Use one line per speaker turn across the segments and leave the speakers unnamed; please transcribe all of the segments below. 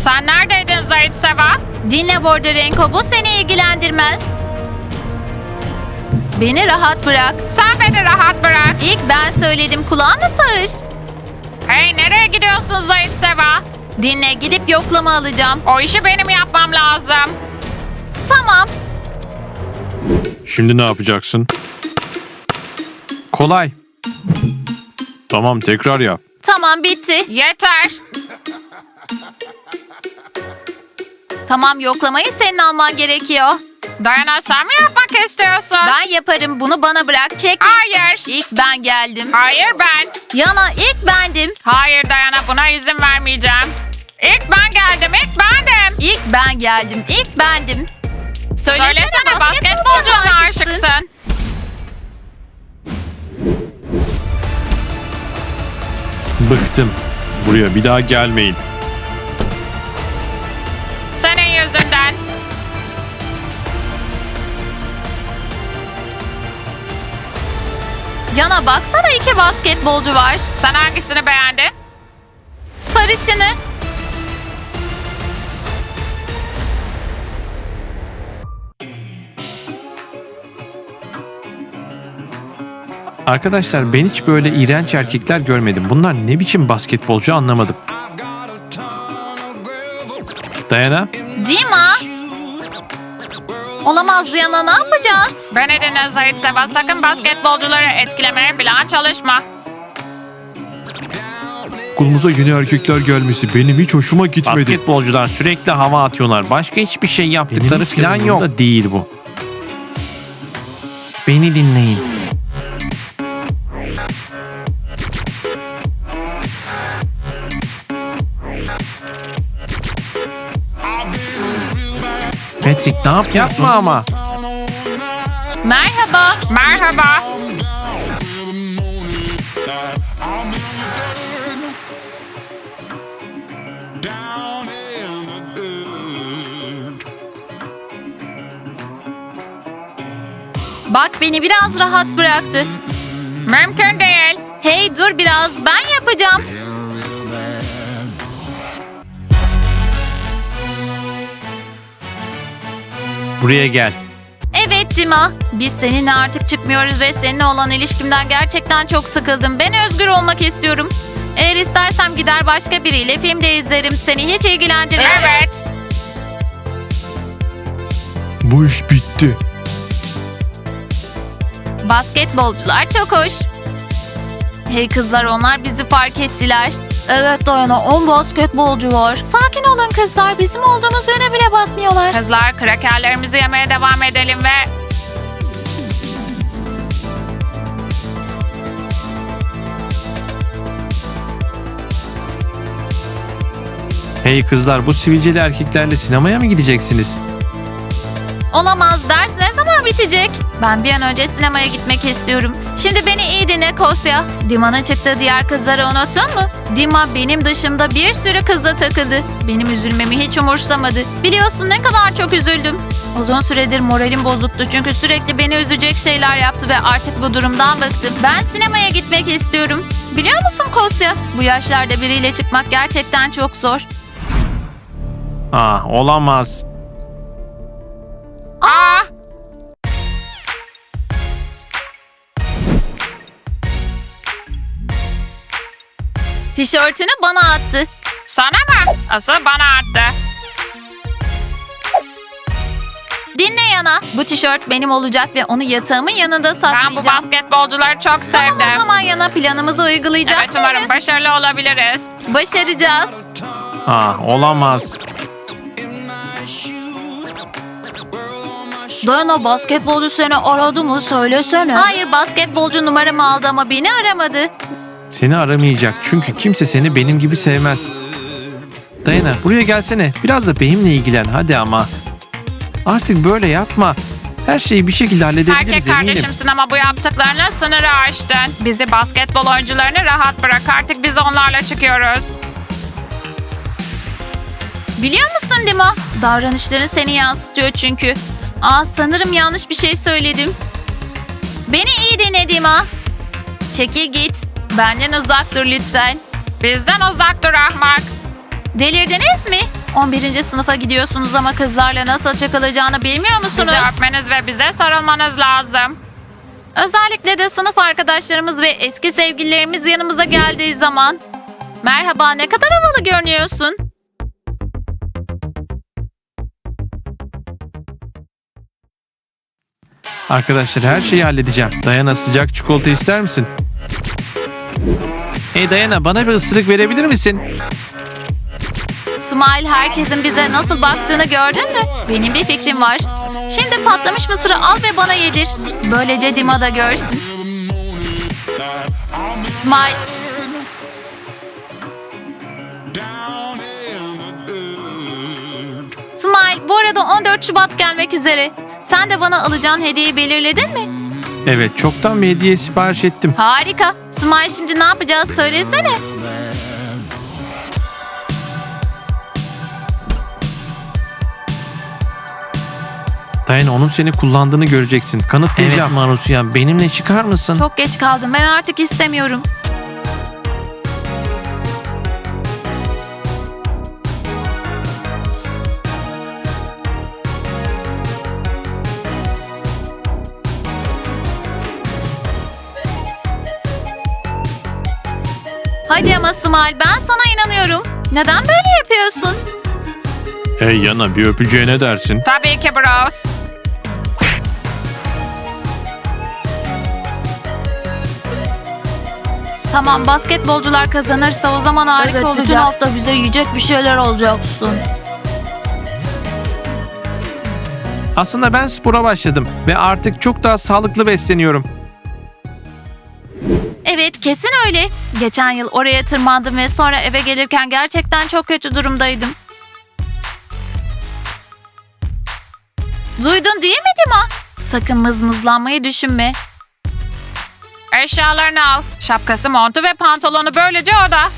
Sen neredeydin Zahit Seva?
Dinle Borderenko, bu seni ilgilendirmez. Beni rahat bırak.
Sen beni rahat bırak.
İlk ben söyledim, kulağına sağır.
Hey, nereye gidiyorsun Zahit Seva?
Dinle, gidip yoklama alacağım.
O işi benim yapmam lazım.
Tamam.
Şimdi ne yapacaksın? Kolay. Tamam, tekrar yap.
Tamam, bitti.
Yeter.
Tamam, yoklamayı senin alman gerekiyor.
Dayana, sen mi yapmak istiyorsun?
Ben yaparım, bunu bana bırak. Çek.
Hayır.
İlk ben geldim.
Hayır ben.
Yana, ilk bendim.
Hayır Dayana, buna izin vermeyeceğim. İlk ben geldim, ilk bendim.
İlk ben geldim. İlk bendim.
Söylesene, basketbolcuya mı aşıksın?
Bıktım. Buraya bir daha gelmeyin.
Senin yüzünden.
Yana baksana, 2 basketbolcu var.
Sen hangisini beğendin?
Sarışını.
Arkadaşlar, ben hiç böyle iğrenç erkekler görmedim. Bunlar ne biçim basketbolcu anlamadım. Dayana,
Dima. Olamaz Yana, ne yapacağız?
Beni dinle Zahit Seva, sakın basketbolcuları etkilemeye falan çalışma.
okulumuza yeni erkekler gelmesi benim hiç hoşuma gitmedi. Basketbolcular sürekli hava atıyorlar. Başka hiçbir şey yaptıkları falan yok. Da değil bu. Beni dinleyin. Patrick, ne yapıyorsun? Yapma ama.
Merhaba.
Merhaba.
Bak, beni biraz rahat bıraktı.
Mümkün değil.
Hey dur biraz, ben yapacağım.
Buraya gel.
Evet Dima, biz seninle artık çıkmıyoruz ve seninle olan ilişkimden gerçekten çok sıkıldım. Ben özgür olmak istiyorum. Eğer istersem gider başka biriyle film de izlerim. Seni hiç ilgilendirmez.
Evet.
Bu iş bitti.
Basketbolcular çok hoş. Hey kızlar, onlar bizi fark ettiler. Evet Dayana, 10 basketbolcu var. Sakin olun kızlar, bizim olduğumuz yöne bile bakmıyorlar.
Kızlar, krakerlerimizi yemeye devam edelim ve...
Hey kızlar, bu sivilceli erkeklerle sinemaya mı gideceksiniz?
Olamaz, ders ne zaman bitecek? Ben bir an önce sinemaya gitmek istiyorum. Şimdi beni iyi dinle Kosya. Dima'nın çıktığı diğer kızları unuttun mu? Dima benim dışımda bir sürü kızla takıldı. Benim üzülmemi hiç umursamadı. Biliyorsun ne kadar çok üzüldüm. Uzun süredir moralim bozuktu çünkü sürekli beni üzecek şeyler yaptı ve artık bu durumdan bıktım. Ben sinemaya gitmek istiyorum. Biliyor musun Kosya? Bu yaşlarda biriyle çıkmak gerçekten çok zor.
Ah, olamaz.
Aa!
Tişörtünü bana attı.
Sana mı? Asıl bana attı.
Dinle Yana. Bu tişört benim olacak ve onu yatağımın yanında saklayacağım.
Ben bu basketbolcuları çok
Tamam,
sevdim.
o zaman Yana, planımızı uygulayacak
Evet, umarım
mıyız?
başarılı olabiliriz.
Başaracağız.
Ah, olamaz.
Dayana, basketbolcu seni aradı mı, söylesene. Hayır, basketbolcu numaramı aldı ama beni aramadı.
Seni aramayacak çünkü kimse seni benim gibi sevmez. Dayana, buraya gelsene. Biraz da benimle ilgilen hadi ama. Artık böyle yapma. Her şeyi bir şekilde halledebiliriz,
Erkek
eminim.
kardeşimsin ama bu yaptıklarına sınırı aştın. Bizi basketbol oyuncularını rahat bırak. Artık biz onlarla çıkıyoruz.
Biliyor musun Dima? Davranışların seni yansıtıyor çünkü. Sanırım yanlış bir şey söyledim. Beni iyi dinle Dima. Çekil git. Benden uzak dur lütfen.
Bizden uzak dur ahmak.
Delirdiniz mi? 11. sınıfa gidiyorsunuz ama kızlarla nasıl çakılacağını bilmiyor musunuz?
Bizi öpmeniz ve bize sarılmanız lazım.
Özellikle de sınıf arkadaşlarımız ve eski sevgililerimiz yanımıza geldiği zaman. Merhaba, ne kadar havalı görünüyorsun.
Arkadaşlar her şeyi halledeceğim. Dayana, sıcak çikolata ister misin? Hey Dayana, bana bir ısırık verebilir misin?
Smile, herkesin bize nasıl baktığını gördün mü? Benim bir fikrim var. Şimdi patlamış mısırı al ve bana yedir. Böylece Dima da görsün. Smile. Smile, bu arada 14 Şubat gelmek üzere. Sen de bana alacağın hediyeyi belirledin mi?
Evet, çoktan bir hediye sipariş ettim.
Harika. Smile, şimdi ne yapacağız söylesene.
Dayana, onun seni kullandığını göreceksin. Kanıtlayacağım. Evet Marusya, benimle çıkar mısın?
Çok geç kaldım. Ben artık istemiyorum. Hadi ama Smile, ben sana inanıyorum. Neden böyle yapıyorsun?
Hey Yana, bir öpücüğe ne dersin?
Tabii ki bros.
Tamam, basketbolcular kazanırsa o zaman harika olacak.
Bütün hafta bize yiyecek bir şeyler alacaksın.
Aslında ben spora başladım ve artık çok daha sağlıklı besleniyorum.
Evet, kesin öyle. Geçen yıl oraya tırmandım ve sonra eve gelirken gerçekten çok kötü durumdaydım. Duydun değil mi Dima? Sakın mızmızlanmayı düşünme.
Eşyalarını al. Şapkası, montu ve pantolonu, böylece o da.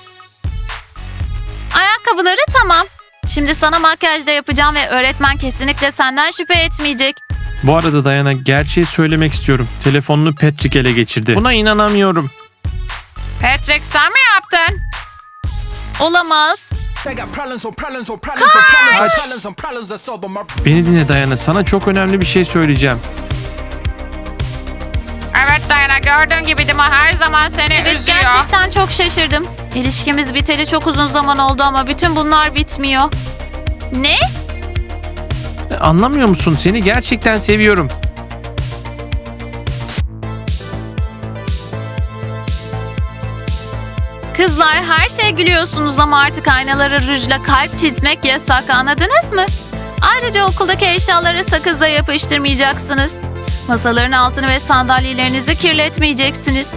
Ayakkabıları tamam. Şimdi sana makyaj da yapacağım ve öğretmen kesinlikle senden şüphe etmeyecek.
Bu arada Dayana, gerçeği söylemek istiyorum. Telefonunu Patrick ele geçirdi. Buna inanamıyorum.
Patrick, sen mi yaptın?
Olamaz.
Beni dinle Dayana, sana çok önemli bir şey söyleyeceğim.
Evet Dayana, gördüğün gibi Dima her zaman seni
Evet,
üzüyor.
gerçekten çok şaşırdım. İlişkimiz biteli çok uzun zaman oldu ama bütün bunlar bitmiyor. Ne?
Anlamıyor musun? Seni gerçekten seviyorum.
Kızlar, her şeye gülüyorsunuz ama artık aynalara rujla kalp çizmek yasak, anladınız mı? Ayrıca okuldaki eşyaları sakızla yapıştırmayacaksınız. Masaların altını ve sandalyelerinizi kirletmeyeceksiniz.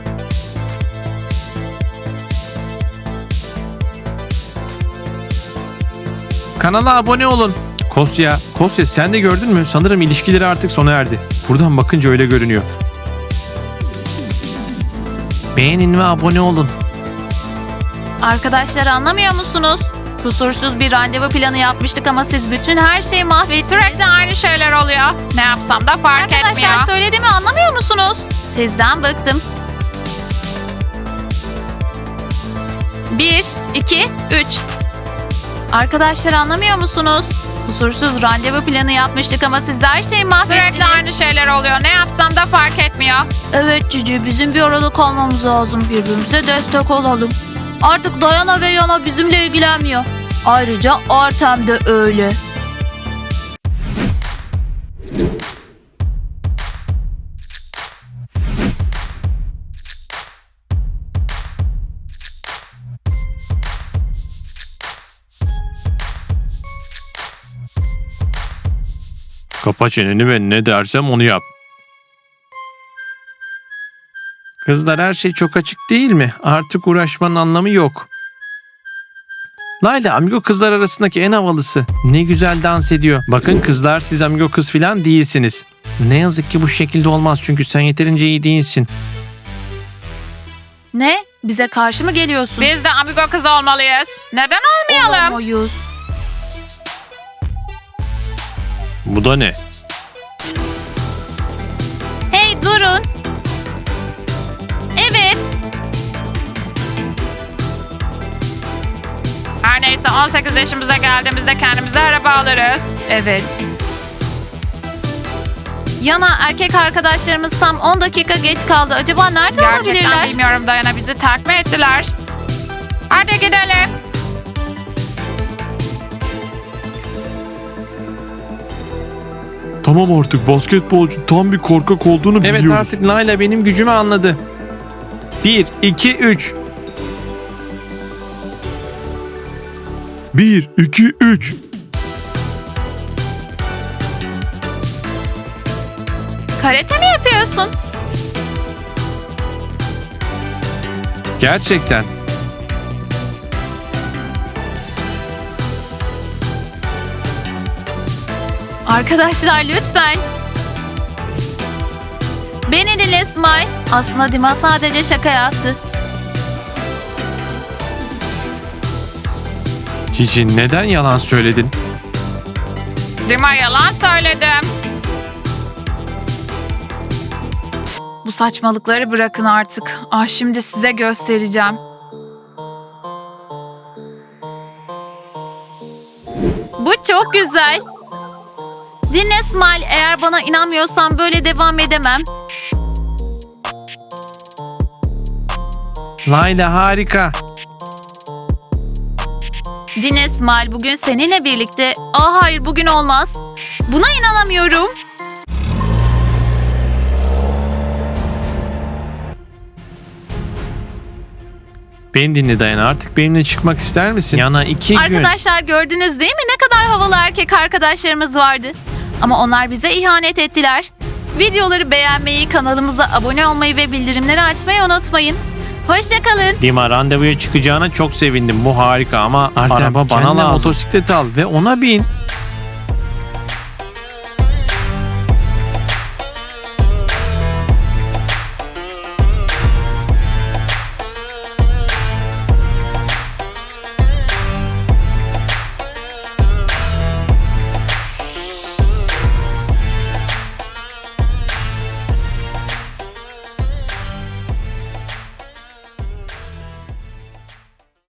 Kanala abone olun. Kosya sen de gördün mü? Sanırım ilişkileri artık sona erdi. Buradan bakınca öyle görünüyor. Beğenin ve abone olun.
Arkadaşlar, anlamıyor musunuz? Kusursuz bir randevu planı yapmıştık ama siz bütün her şeyi mahvettiniz.
Sürekli aynı şeyler oluyor. Ne yapsam da fark etmiyor.
Arkadaşlar, söylediğimi anlamıyor musunuz? Sizden bıktım. 1, 2, 3. Arkadaşlar, anlamıyor musunuz? Kusursuz randevu planı yapmıştık ama siz her şeyi mahvettiniz.
Sürekli aynı şeyler oluyor. Ne yapsam da fark etmiyor.
Evet Cici, bizim bir aralık olmamız lazım. Birbirimize destek olalım. Artık Dayana ve Yana bizimle ilgilenmiyor. Ayrıca Artem de öyle.
Kapa çeneni ve ne dersem onu yap. Kızlar, her şey çok açık değil mi? Artık uğraşmanın anlamı yok. Layla amigo kızlar arasındaki en havalısı. Ne güzel dans ediyor. Bakın kızlar, siz amigo kız falan değilsiniz. Ne yazık ki bu şekilde olmaz çünkü sen yeterince iyi değilsin.
Ne? Bize karşı mı geliyorsun?
Biz de amigo kız olmalıyız. Neden olmayalım?
Olamayız.
Bu da ne?
Hey, durun. Evet.
Her neyse 18 yaşımıza geldiğimizde kendimize araba alırız.
Evet. Yana, erkek arkadaşlarımız tam 10 dakika geç kaldı. Acaba nerede
Gerçekten
olabilirler?
bilmiyorum Dayana, bizi terk mi ettiler? Hadi gidelim.
Tamam artık basketbolcu tam bir korkak olduğunu
Evet
biliyoruz.
artık Layla benim gücümü anladı. 1, 2, 3.
1, 2, 3.
Karate mi yapıyorsun?
Gerçekten.
Arkadaşlar lütfen. Beni dinle Smile. Aslında Dima sadece şaka yaptı.
Cici neden yalan söyledin?
Dima, yalan söyledim.
Bu saçmalıkları bırakın artık. Ah, şimdi size göstereceğim. Bu çok güzel. Dinle Smile, eğer bana inanmıyorsan böyle devam edemem.
Layla harika.
Dinle Smile, bugün seninle birlikte... hayır, bugün olmaz. Buna inanamıyorum.
Beni dinle Dayana, artık benimle çıkmak ister misin? Yana 2 gün.
Arkadaşlar gördünüz değil mi ne kadar havalı erkek arkadaşlarımız vardı. Ama onlar bize ihanet ettiler. Videoları beğenmeyi, kanalımıza abone olmayı ve bildirimleri açmayı unutmayın. Hoşçakalın.
Dima, randevuya çıkacağına çok sevindim. Bu harika ama
Artem,
araba bana
kendine
lazım. Motosiklet al ve ona bin.